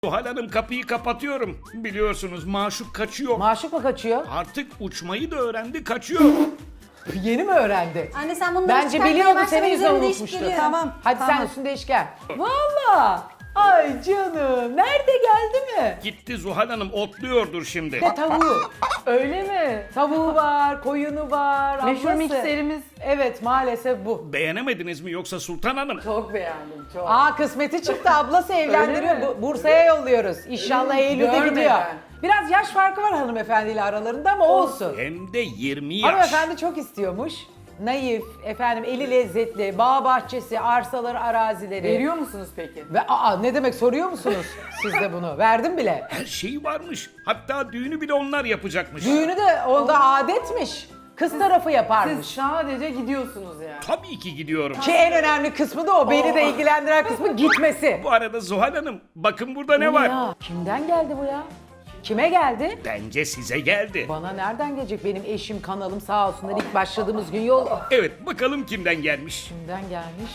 Zuhal Hanım kapıyı kapatıyorum. Biliyorsunuz maşuk kaçıyor. Maşuk mu kaçıyor? Artık uçmayı da öğrendi, kaçıyor. Yeni mi öğrendi? Anne sen bunları Bence çıkartmaya biliyordu, başlama, senin yüzünden üzerine değişip unutmuştu. geliyorum. Tamam. Hadi tamam. sen üstünde işken. Valla. Ay canım. Nerede, geldi mi? Gitti Zuhal Hanım, otluyordur şimdi. Ne tavuğu? Öyle mi? Tavuğu var, koyunu var. Meşhur ablası. mikserimiz. Evet, maalesef bu. Beğenemediniz mi yoksa Sultan Hanım? Çok beğendim çok. Aa, kısmeti çıktı, ablası evlendiriyor. mi? Bursa'ya yolluyoruz. İnşallah Eylül'de görmeden. gidiyor. Biraz yaş farkı var hanımefendiyle aralarında ama olsun. Hem de 20 yaş. Hanımefendi çok istiyormuş. Naif, efendim eli lezzetli, bağ bahçesi, arsaları, arazileri. Veriyor musunuz peki? Ve ne demek, soruyor musunuz siz de bunu? Verdim bile. Her şeyi varmış. Hatta düğünü bile onlar yapacakmış. Düğünü de onda adetmiş. Kız tarafı Siz yaparmış. sadece gidiyorsunuz yani. Tabii ki gidiyorum. Ki en önemli kısmı da o. Beni de ilgilendiren kısmı gitmesi. Bu arada Zuhal Hanım, bakın burada ne var? Ya, kimden geldi bu ya? Kime geldi? Bence size geldi. Bana nereden gelecek? Benim eşim, kanalım sağ olsunlar, ilk başladığımız gün yol... Evet, bakalım kimden gelmiş. Kimden gelmiş?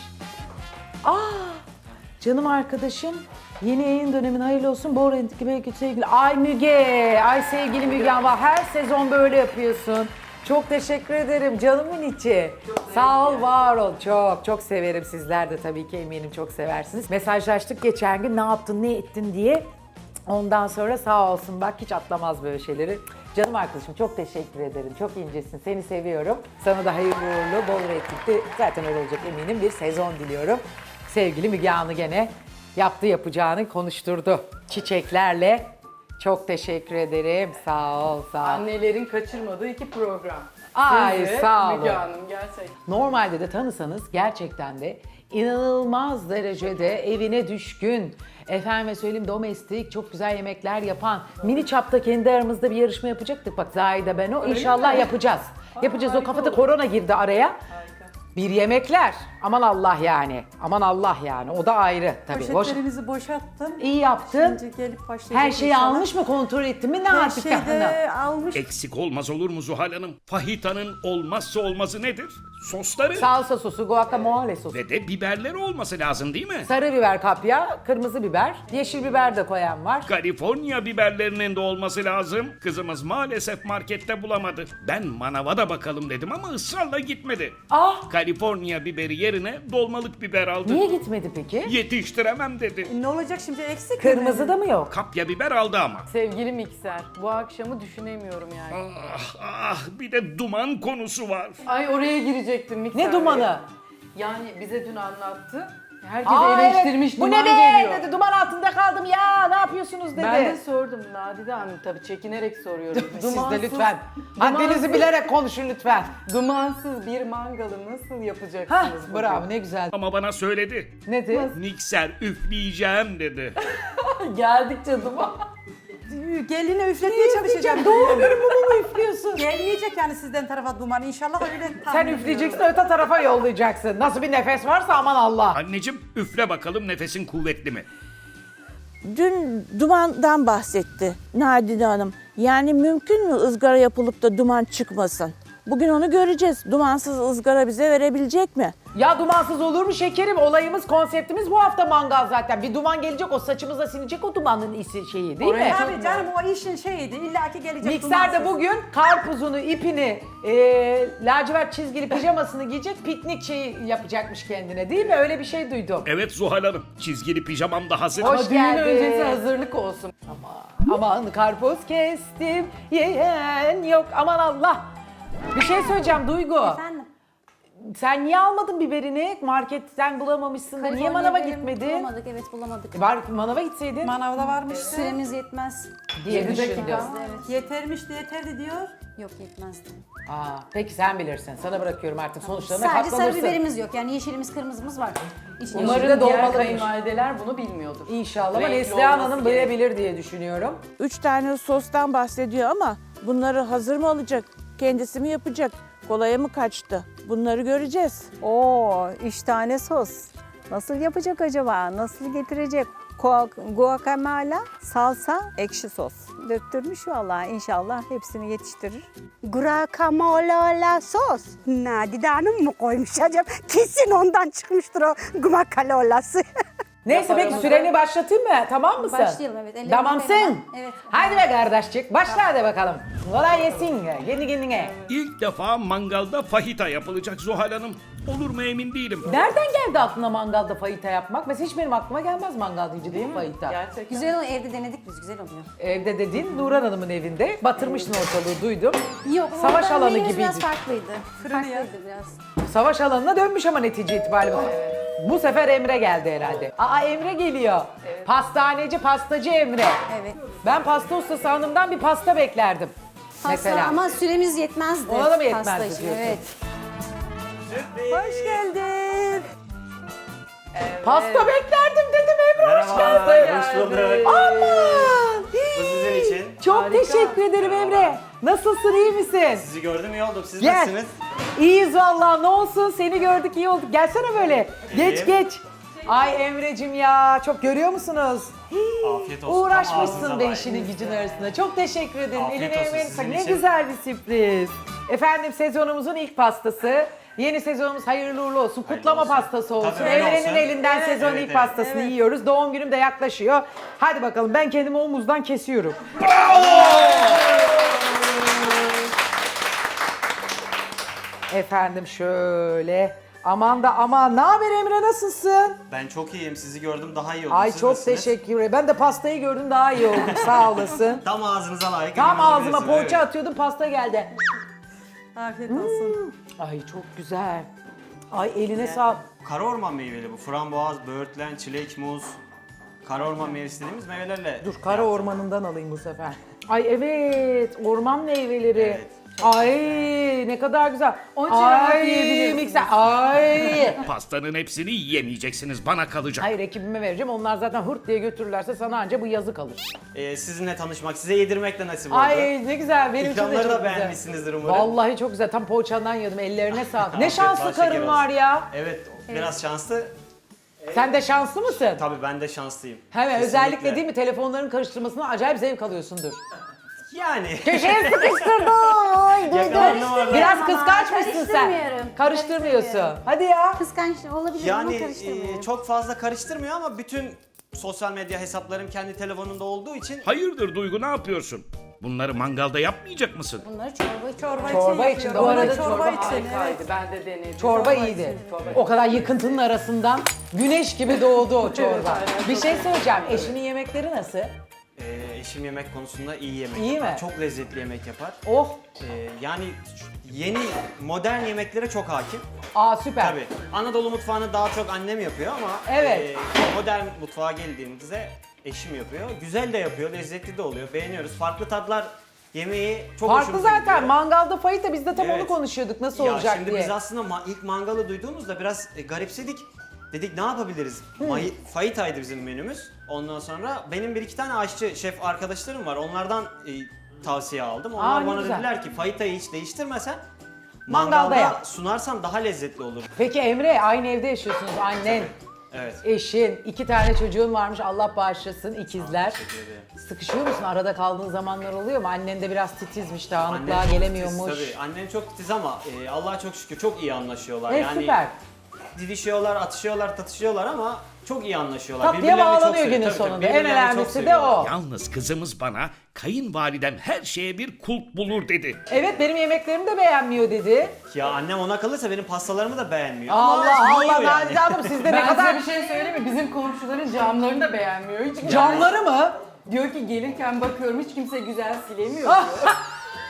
Canım arkadaşım, yeni yayın dönemin hayırlı olsun. Bu arada belki sevgili... Ay Müge, ay sevgili Müge ama her sezon böyle yapıyorsun. Çok teşekkür ederim canımın içi. Sağ ol, var ol. Çok severim. Sizler de tabii ki eminim çok seversiniz. Mesajlaştık geçen gün, ne yaptın, ne ettin diye. Ondan sonra sağ olsun, bak hiç atlamaz böyle şeyleri. Canım arkadaşım çok teşekkür ederim. Çok incesin. Seni seviyorum. Sana da hayırlı uğurlu, bol reytingli, zaten öyle olacak eminim, bir sezon diliyorum. Sevgili Müge Anlı gene yapacağını konuşturdu. Çiçeklerle. Çok teşekkür ederim. Sağ ol, sağ ol. Annelerin kaçırmadığı 2 program. Ay, Siz ve sağ olun. Müge Hanım gerçekten. Normalde de tanısanız gerçekten de inanılmaz derecede evine düşkün, efendime söyleyeyim domestik, çok güzel yemekler yapan, mini çapta kendi aramızda bir yarışma yapacaktık. Bak Zahide ben o, inşallah mi? yapacağız. Yapacağız, o harika kafada olur. korona girdi araya. Harika. Bir yemekler, aman Allah yani, aman Allah yani, o da ayrı tabii. Poşetlerimizi boşalttım. İyi yaptın. Şimdi gelip başlayacak Her şeyi inşallah. almış mı, kontrol ettin mi, ne Her yaptık şeyi hanım? de almış. Eksik olmaz olur mu Zuhal Hanım? Fahitanın olmazsa olmazı nedir? Sosları. Salsa sosu, guacamole sosu. Ve de biberleri olması lazım değil mi? Sarı biber kapya, kırmızı biber, yeşil biber de koyan var. Kaliforniya biberlerinin de olması lazım. Kızımız maalesef markette bulamadı. Ben manava da bakalım dedim ama ısrarla gitmedi. Ah! Kaliforniya biberi yerine dolmalık biber aldı. Niye gitmedi peki? Yetiştiremem dedi. Ne olacak şimdi, eksik mi? Kırmızı da mı yok? Kapya biber aldı ama. Sevgili mikser, bu akşamı düşünemiyorum yani. Bir de duman konusu var. Ay oraya girecektim mikser. Ne dumanı? Yani bize dün anlattı. Herkes Aa, eleştirmiş, evet. Bu duman ne be geliyor. dedi, duman altında kaldım ya, ne yapıyorsunuz dedi. Ben de sordum Nadide Hanım, tabii çekinerek soruyorum. Siz de lütfen haddinizi bilerek konuşun lütfen. Dumansız bir mangalı nasıl Hah, yapacaksınız bugün? bravo, ne güzel. Ama bana söyledi. Nedir? Mikser üfleyeceğim dedi. Geldikçe duman. Geline üfletmeye çalışacağım. Doğum günü mumu mu üflüyorsun? Gelmeyecek yani sizden tarafa duman. İnşallah öyle Sen tahmin üfleyeceksin, ediyorum. öte tarafa yollayacaksın. Nasıl bir nefes varsa aman Allah. Anneciğim üfle bakalım, nefesin kuvvetli mi? Dün dumandan bahsetti Nadide Hanım. Yani mümkün mü ızgara yapılıp da duman çıkmasın? Bugün onu göreceğiz. Dumansız ızgara bize verebilecek mi? Ya dumansız olur mu şekerim? Olayımız, konseptimiz bu hafta mangal zaten. Bir duman gelecek, o saçımıza sinecek, o dumanın şeyi değil mi? Tabii canım, o işin şeyiydi. İlla ki gelecek Mikser de dumansız. bugün karpuzunu, ipini, lacivert çizgili pijamasını giyecek, piknik şeyi yapacakmış kendine değil mi? Öyle bir şey duydum. Evet Zuhal Hanım, çizgili pijamam da hazır. Hoş Düğün geldin. öncesi hazırlık olsun. Aman karpuz kestim, yiyen yok, aman Allah. Bir şey söyleyeceğim Duygu. Efendim? Sen niye almadın biberini? Marketten bulamamışsın da niye Kaliforniya manava biberimi gitmedin? Bulamadık, evet bulamadık. Manava gitseydin Manavda varmıştı. Süremiz yetmez. diye 7 düşündüm. dakika. Evet. Yetermişti, yeterdi diyor. Yok yetmezdi. Aa, peki sen bilirsin. Sana bırakıyorum artık, sonuçlarına Sadece sarı katlanırsın. biberimiz yok. Yani yeşilimiz, kırmızımız var. İçine Umarım Umarım diğer dolmalıymış. kayınvalideler bunu bilmiyordur. İnşallah, ama Renkli Neslihan olması Hanım gerek. bilebilir diye düşünüyorum. 3 tane sostan bahsediyor ama bunları hazır mı alacak? Kendisi mi yapacak? Kolaya mı kaçtı? Bunları göreceğiz. Oo, 3 tane sos. Nasıl yapacak acaba? Nasıl getirecek? Guacamole, salsa, ekşi sos. Döktürmüş vallahi, inşallah hepsini yetiştirir. Guacamole sos. Nadide Hanım mı koymuş acaba? Kesin ondan çıkmıştır o guacamole'si. Neyse peki süreni başlatayım mı? Tamam mısın? Başlayalım, evet. Ellerimi Tamamsın. koyalım. Evet. Haydi be kardeşçik. Başla hadi bakalım. Kolay yesin. Kendi kendine. İlk defa mangalda fajita yapılacak Zuhal Hanım. Olur mu emin değilim. Nereden geldi aklına mangalda fajita yapmak? Mesela hiç benim aklıma gelmez mangal deyince değil mi fajita? Gerçekten. Güzel oluyor. Evde denedik biz. Güzel oluyor. Evde dediğin Nurhan Hanım'ın evinde. Batırmışsın ortalığı duydum. Yok. Savaş orada alanı menümüz gibiydi. Biraz farklıydı. Farklıydı biraz. Savaş alanına dönmüş ama netice itibariyle. Bu sefer Emre geldi herhalde. Aa Emre geliyor. Pastaneci, pastacı Emre. Evet. Ben pasta ustası hanımdan bir pasta beklerdim. Pasta Mesela. ama süremiz yetmezdi. Ona da mı yetmezdi pasta için, diyorsun? evet. Hoş geldin. Pasta beklerdim dedim Emre hoş geldin. Hoş bulduk. Aman. Bu sizin için. Çok teşekkür ederim Emre. Nasılsın iyi misin? Sizi gördüm iyi oldum. Siz Gel. nasılsınız? İyiyiz vallahi ne olsun seni gördük iyi olduk. Gelsene böyle. Geç İyiyim. geç. Ay Emre'cim ya çok görüyor musunuz? Afiyet olsun. Tam Uğraşmışsın ağzınıza be layık. işinin gücün arasında. Çok teşekkür ederim. Afiyet Eline olsun emeğine sizin sağlık. Ne için. güzel bir sürpriz. Efendim sezonumuzun ilk pastası. Yeni sezonumuz hayırlı uğurlu olsun. Kutlama olsun. pastası olsun. Tabii öyle Emre'nin olsun. elinden sezonun evet, ilk evet. pastasını yiyoruz. Doğum günüm de yaklaşıyor. Hadi bakalım ben kendimi omuzdan kesiyorum. Efendim şöyle. Aman da aman. Ne haber Emre nasılsın? Ben çok iyiyim. Sizi gördüm daha iyi oldum. Ay Siz çok nasılsınız? teşekkür ederim. Ben de pastayı gördüm daha iyi oldum. Sağ olasın. Tam ağzınıza layık. Tam emin ağzıma olabilirsiniz, poğaça evet. atıyordum pasta geldi. Afiyet olsun. Ay çok güzel. Ay eline sağlık. Kara orman meyveli bu. Frambuaz, böğürtlen, çilek, muz. Kara orman meyvesi dediğimiz meyvelerle. Dur kara ormanından alayım bu sefer. Ay evet orman meyveleri. Evet. Ay ne kadar güzel. Onun için rahat Ay yiyebilirsiniz. mikser. Ay. Pastanın hepsini yiyemeyeceksiniz. Bana kalacak. Hayır ekibime vereceğim. Onlar zaten hırt diye götürürlerse sana anca bu yazı kalır. Sizinle tanışmak, size yedirmek de nasip oldu. Ay ne güzel. Benim için de İkramları çok da güzel. beğenmişsinizdir umarım. Vallahi çok güzel. Tam poğaçandan yedim. Ellerine sağlık. Ne Afiyet, şanslı bal şeker karın olsun. var ya. Evet, biraz şanslı. Sen de şanslı mısın? Tabii ben de şanslıyım. Hemen Kesinlikle. özellikle değil mi telefonların karıştırmasına acayip zevk alıyorsundur. Yani. Köşeye sıkıştırdım. Yakalandım orada. Biraz Ama kıskançmışsın sen. karıştırmıyorum. Karıştırmıyorsun. Karıştırmıyorum. Hadi ya. Kıskanç olabilir ama Yani karıştırmıyorum. çok fazla karıştırmıyor ama bütün sosyal medya hesaplarım kendi telefonumda olduğu için Hayırdır Duygu ne yapıyorsun? Bunları mangalda yapmayacak mısın? Bunları çorba Çorba için de o arada çorba çorba için. Harikaydı. Ben de denedim. Çorba iyiydi. O kadar yıkıntının arasından güneş gibi doğdu o çorba. Bir şey söyleyeceğim. Eşinin yemekleri nasıl? eşim yemek konusunda iyi yemek İyi yapar. mi? Çok lezzetli yemek yapar. Oh. Yani yeni modern yemeklere çok hakim. Aa süper. Tabii. Anadolu mutfağını daha çok annem yapıyor ama Evet. modern mutfağa geldiğimizde eşim yapıyor. Güzel de yapıyor, lezzetli de oluyor. Beğeniyoruz. Farklı tatlar yemeği çok Farklı hoşumuza zaten. gidiyor. Mangalda fayita biz de tam onu Evet. konuşuyorduk nasıl Ya olacak şimdi diye. biz aslında ilk mangalı duyduğumuzda biraz garipsedik. Dedik ne yapabiliriz? Fajitaydı bizim menümüz. Ondan sonra benim bir iki tane aşçı, şef arkadaşlarım var. Onlardan tavsiye aldım. Onlar ne bana güzel. dediler ki fajitayı hiç değiştirmesen Mangalda mangalda yap. sunarsan daha lezzetli olur. Peki Emre aynı evde yaşıyorsunuz annen, Evet. eşin, 2 tane çocuğun varmış Allah bağışlasın ikizler. Teşekkür ederim. Sıkışıyor musun? Arada kaldığın zamanlar oluyor mu? Annen de biraz titizmiş, dağınıklığa Annem çok gelemiyormuş. titiz, tabii. Annem çok titiz ama Allah'a çok şükür çok iyi anlaşıyorlar. Süper. Didişiyorlar, atışıyorlar, tatışıyorlar ama çok iyi anlaşıyorlar. Tatlıya Birbirlerini çok bağlanıyor seviyor. günün Tabii, tabii. sonunda. En Birbirlerini çok önemlisi de seviyorlar. o. Yalnız kızımız bana kayınvalidem her şeye bir kulp bulur dedi. Evet benim yemeklerimi de beğenmiyor dedi. Ya annem ona kalırsa benim pastalarımı da beğenmiyor. Allah Ama yiyor Allah yani. Nadide Hanım sizde ne Ben kadar size bir şey söyleyeyim mi? Bizim komşuların camlarını da beğenmiyor. Hiç camları mı? Diyor ki gelirken bakıyorum hiç kimse güzel silemiyor Ah! diyor.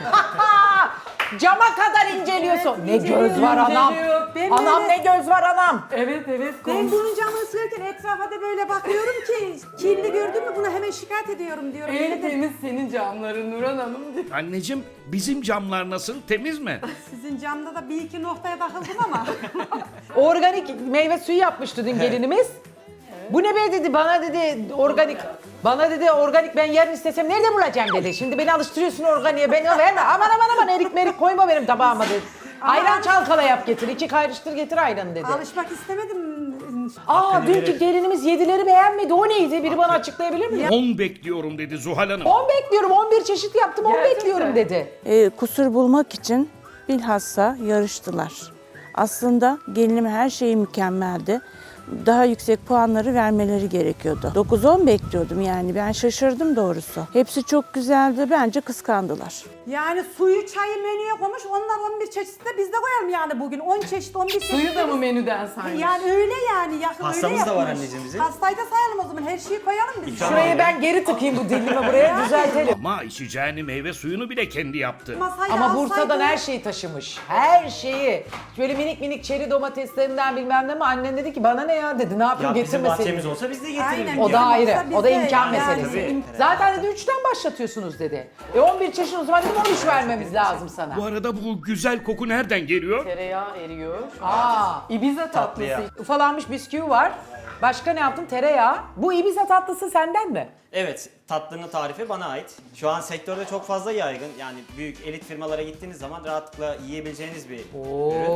Cama kadar inceliyorsun. Ne göz var anam. İnceliyor. Ben Anam böyle- ne göz var anam. Evet evet. Ben bunun camını silerken etrafa da böyle bakıyorum ki kirli gördün mü bunu hemen şikayet ediyorum diyorum. En temiz senin camların Nurhan Hanım diyor. Anneciğim bizim camlar nasıl temiz mi? Sizin camda da bir iki noktaya takıldım ama. Organik meyve suyu yapmıştı dün gelinimiz. Bu ne be dedi bana dedi organik. Bana dedi organik ben yarın istesem nerede bulacağım dedi. Şimdi beni alıştırıyorsun organiğe beni verme. Aman aman aman erik merik koyma benim tabağıma dedi. Ayran çalkala yap getir. 2 kayrıştır getir ayranı dedi. Alışmak istemedim. Aa Hakkını dünkü verir. gelinimiz yedileri beğenmedi. O neydi? Biri bana açıklayabilir mi? 10 bekliyorum dedi Zuhal Hanım. 10 bekliyorum. 11 çeşit yaptım. 10 Gerçekten. bekliyorum dedi. Kusur bulmak için bilhassa yarıştılar. Aslında gelinim her şeyi mükemmeldi. daha yüksek puanları vermeleri gerekiyordu. 9-10 bekliyordum yani. Ben şaşırdım doğrusu. Hepsi çok güzeldi. Bence kıskandılar. Yani suyu, çayı menüye koymuş. Onlar 11 çeşit de biz de koyalım yani bugün. 10 çeşit, 11 çeşit. Suyu da mı menüden saymış? Yani öyle yani. Yakın Pastamız öyle da var yapmış. anneciğim bizim. Pastayı da sayalım o zaman. Her şeyi koyalım biz. İkram Şurayı ben geri tıkayım bu dilimi buraya düzeltelim. Ama içeceğini meyve suyunu bile kendi yaptı. Masayı Ama alsaydı- Bursa'dan her şeyi taşımış. Her şeyi. Böyle minik minik çeri domateslerinden bilmem ne mi annen dedi ki bana ne ya dedi. Ne yapayım Ya bizim getirmeseydin. bahçemiz olsa biz de getirirdik. Aynen. O da Bizim ayrı. olsa O da bizde imkan yani. meselesi. Tabii. Zaten dedi 3'ten başlatıyorsunuz dedi. 11 çeşit o zaman dedim 13 vermemiz lazım sana. Bu arada bu güzel koku nereden geliyor? Tereyağı eriyor. Aa, Ibiza Tatlıya. tatlısı. ufalanmış bisküvi var. Başka ne yaptın? Tereyağı. Bu Ibiza tatlısı senden mi? Evet, tatlının tarifi bana ait. Şu an sektörde çok fazla yaygın. Yani büyük elit firmalara gittiğiniz zaman rahatlıkla yiyebileceğiniz bir ürün.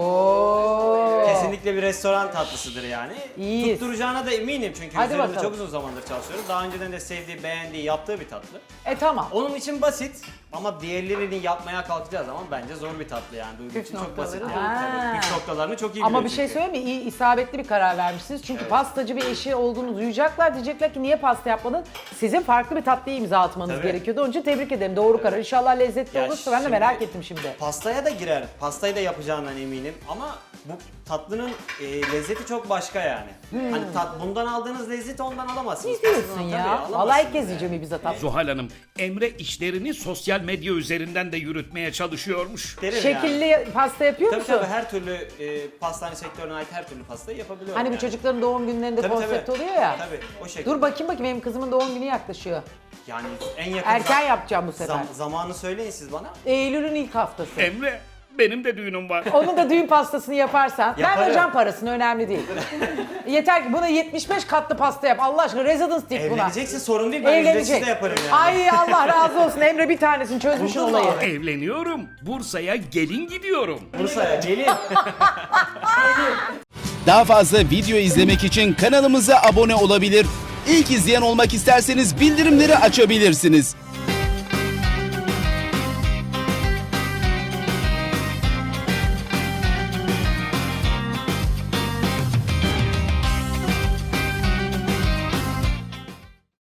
Oo. Kesinlikle bir restoran tatlısıdır yani. İyiyiz. Tutturacağına da eminim çünkü Hadi üzerinde bakalım. çok uzun zamandır çalışıyoruz. Daha önceden de sevdiği, beğendiği, yaptığı bir tatlı. Tamam. Onun için basit ama diğerlerini yapmaya kalkacağı zaman bence zor bir tatlı yani. Duygu için çok basit. noktaları Tabii, püf noktalarını çok iyi Ama biliyor bir şey çünkü. söyleyeyim mi? İyi, isabetli bir karar vermişsiniz. Çünkü pastacı bir eşi olduğunu duyacaklar. Diyecekler ki niye pasta yapmadın? Sizin farklı bir tatlıyı imza atmanız Tabii. gerekiyordu. Onun için tebrik ederim. Doğru karar. İnşallah lezzetli Ya olursa ben de şimdi- merak ettim şimdi. Pastaya da girer. Pastayı da yapacağından eminim ama bu tatlının lezzeti çok başka yani. Hani bundan aldığınız lezzeti ondan alamazsınız. Ne diyorsun Pastadan tabii ya? alamazsınız Vallahi ilk kez yani. yiyeceğim Ibiza tatlı. Zuhal Hanım, Emre işlerini sosyal medya üzerinden de yürütmeye çalışıyormuş. Derim Şekilli yani. pasta yapıyor Tabii musun? tabii her türlü pastane sektörüne ait her türlü pastayı yapabiliyorum. Hani bu yani. çocukların doğum günlerinde Tabii, konsept tabii. oluyor ya. Tabii o şekilde. Dur bakayım benim kızımın doğum günü yaklaşıyor. Yani en yakın Erken yapacağım bu sefer. zamanı söyleyin siz bana. Eylül'ün ilk haftası. Emre, benim de düğünüm var. Onun da düğün pastasını yaparsan, ben Yaparım. vereceğim parasını önemli değil. Yeter ki buna 75 katlı pasta yap. Allah aşkına residence tip buna. Evleneceksin sorun değil ben ücretsiz de yaparım yani. Ay Allah razı olsun Emre bir tanesini çözmüşsün Buldun mu olayı. abi? Evleniyorum. Bursa'ya gelin gidiyorum. Bursa'ya gelin. Daha fazla video izlemek için kanalımıza abone olabilir. İlk izleyen olmak isterseniz bildirimleri açabilirsiniz.